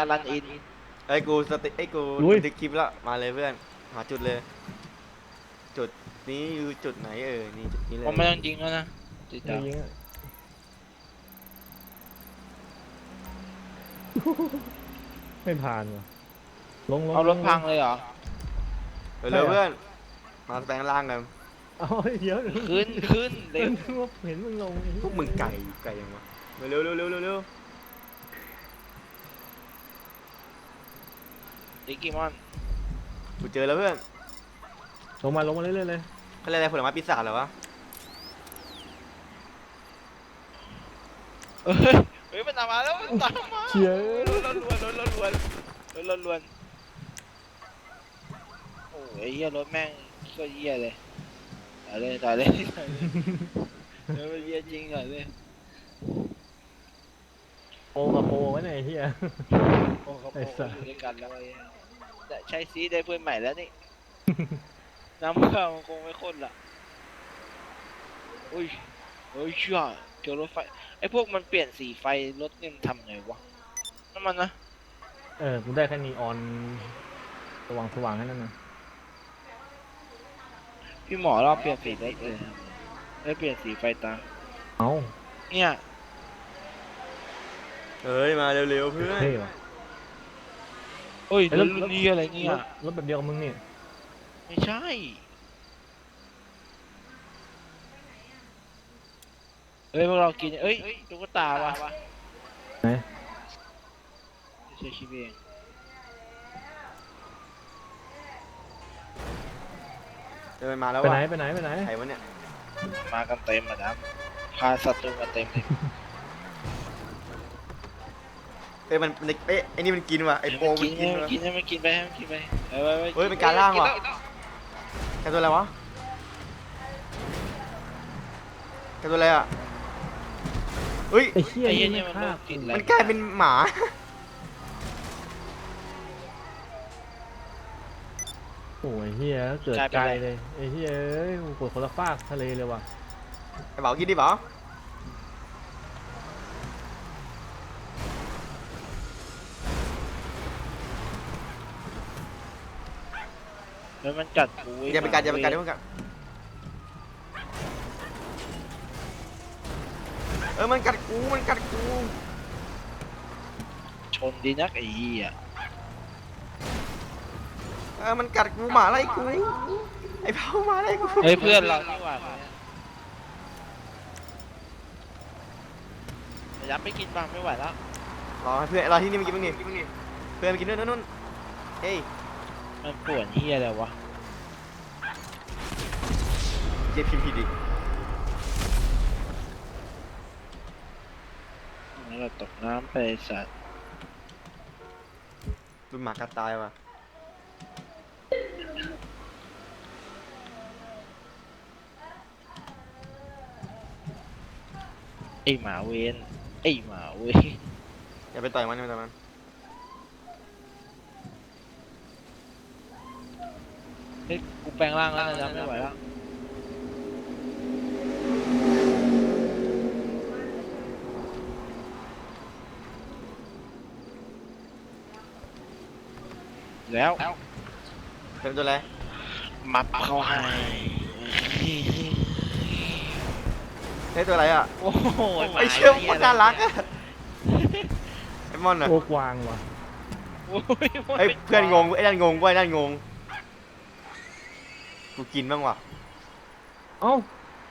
อารันอินไอ้กูสติไอ้กูลุยบันทึกคลิปแล้วมาเลยเพื่อนหาจุดเลย จุดนี้คือจุดไหนนี่จุดนี้เลยผมไม่ต้องยิงแล้วนะติดไม่ดาวยิงอะไม่ผ่านว่ะลงเอารถพังเลยเหรอเร็วๆเพื่อนมาแปลงร่างกันเอาเดี๋ยวขึ้นเร็วเห็นมึงลงพวกมึงไก่ยังวะเร็วดิกิมอนกูเจอแล้วเพื่อนลงมาเรื่อยๆเลยเขาเรียกอะไรผลไม้ปีศาจเหรอวะเฮ้ยมันตามมาแล้วมันตามมาเชียรถลวนโอ้ยเหี้ยรถแม่งก็เหี้ยเลยต่อเลยเดี๋ยวมันเหี้ยจริงเหรอเลยโปกับโปไว้ไหนยไอ้เฮียโอ้เขาไอ้สัสอยู่ด้วยกันแล้วไอ้แต่ใช้ซีได้เพื่อนใหม่แล้วนี่ น้ำข้าวมันคงไม่ข้นละอุ้ยเชื่อเจอรถไฟไอ้พวกมันเปลี่ยนสีไฟรถเนี่ยมันทำไงวะน้ำมันนะกูได้แค่นีออนสว่างแค่นั้นนะพี่หมอเราเปลี่ยนสีได้เลยได้เปลี่ยนสีไฟตาเอาเนี่ยเฮ้ยมาเร็วๆเพื่อนเท่ว่ะโอ้ยไอ้รรถถรุ่นนี้อะไรเนี่ยรถแบบเดียวกับมึงนี่ไม่ใช่เอ้ยพวกเรากินเอ้ยตุ๊กตาวะไหนไม่ใช่คิดเองมาแล้วไปวะไหนไปไหนใครวะเนี่ยมากันเต็มอ่ะนะพาศัตรูมาเต็มเลยมันไอ้นี่มันกินว่ะไอ้โปมันกินว่ะให้มันกินไปให้มันกินไปไปเฮ้ยเป็นการล่างว่ะ แกตัวอะไรวะแกตัวอะไรอ่ะเฮ้ยไอ้เหี้ยไอ้เหี้ยนี่นี่ไม่มันฆ่ากินอะไรมันกลายเป็นหมาโอ้ยเหี้ยเกิดไกลเลยไอ้เหี้ยเอ้ยกูกดคนละฟากทะเลเลยว่ะไอ้เบากินดิเบาแล้วมันกัดกูอย่าไปกัดอย่าไปกัดอย่าไปกัดมันกัดกูชนดีนักไอ้เหี้ยมันกัดกูหมาไล่กูไอ้เบาหมาไล่กูเฮ้ยเพื่อนเรานี่หว่ายับไม่กินบ้างไม่ไหวแล้วรอให้เพื่อนรอที่นี่มันกินบ้างนี่เพื่อนมันกินนู่นเฮ้ยมันปวดเหี้ยอะไรวะเจ็บผิดอีกแล้วเราตกน้ำไปสัตว์ดูหมากัดตายว่ะไอ้หมาเวนไอ้หมาเวนอย่าไปต่อยมันอย่าไปต่อยมันเฮ้ยกูแปลงร่างแล้วนะไม่ไหวแล้วแล้วเป็นตัวอะไรมับเข้าให้เฮ้ยตัวอะไรอ่ะโอ้โหไอ้เชี่ยมันน่ารักอ่ะไอ้มอนอ่ะโอ้กวางว่ะโอ้ยไอ้เพื่อนงงไอ้นั่นงงไอ้นั่นงงกูกินบ้างว่ะเอ้า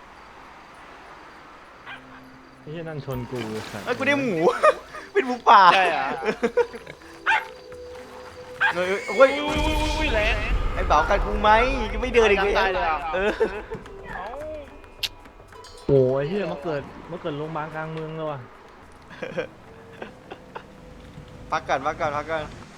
ไอ้เหี้ยนั่นชนกูสัตว์กูได้หมู เป็นหมูป่าใช่เหรอโอ้ยอุ้ยแรงไอ้เบากัดกูไหมยังไม่เดินอีกเลยตายเลยเหรอเออเอ้าโอ้ยเหี้ยมาเกิดโรงพยาบาลกลางเมืองเลยว่ะพักก่อน